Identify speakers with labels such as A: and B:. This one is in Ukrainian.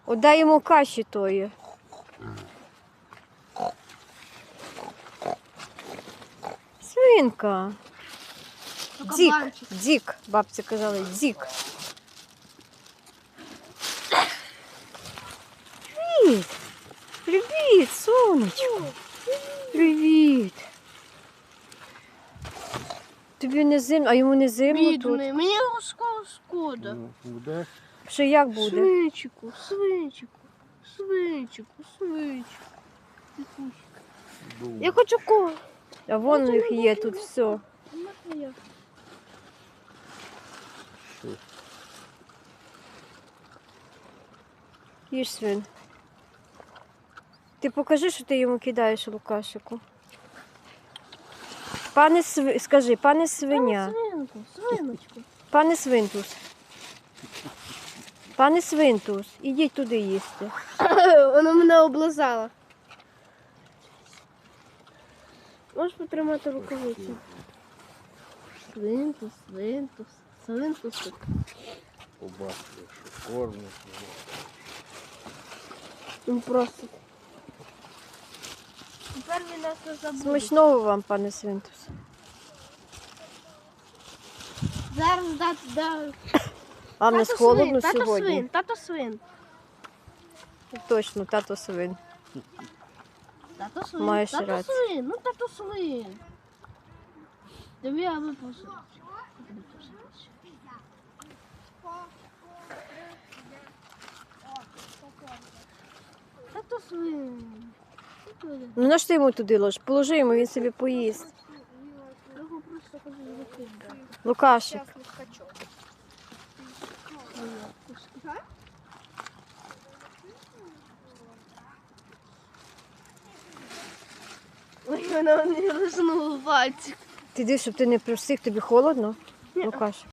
A: Отдай йому каші тої. Свинка. Дік, дік, бабці казали, дік. Привіт. Привіт, сонечко. Привіт. Тобі не зимно, а йому не зимно тут?
B: Бідний, мені його шкода.
C: Ну, буде.
A: Що як буде?
B: Свинчику, свинчику, свинчику, свинчику.
C: Буде.
B: Я хочу кого.
A: А вон у них є тут все. Їж, свин. Ти покажи, що ти йому кидаєш, Лукашику. Скажи, пане свиня.
B: Свинку, свиночку.
A: Пане Свинтус. Пане Свинтус, ідіть туди їсти.
B: Вона мене облизала. Можеш потримати рукавицю? Свинтус, свинтус, свинтус.
C: Побачите, що кормить.
B: Він просто. Тепер він нас не забуде.
A: Смачного вам, пане Свинтус.
B: Зараз дати.
A: А в нас холодно сьогодні.
B: Тато свин.
A: Точно, тато свин.
B: Тато свин.
A: Маєш
B: Тато
A: рацію.
B: свин. Ну тато свин. Тобі я випусив. Тато свин.
A: Ну на що ти йому туди ложиш? Положи йому, він собі поїсть.
B: Його просто кажу, викидати.
A: Лукашик.
B: Ой, вона мені лизнула пальчик.
A: Ти дивись, щоб ти не просив, тобі холодно?
B: Ні.
A: Лукашик.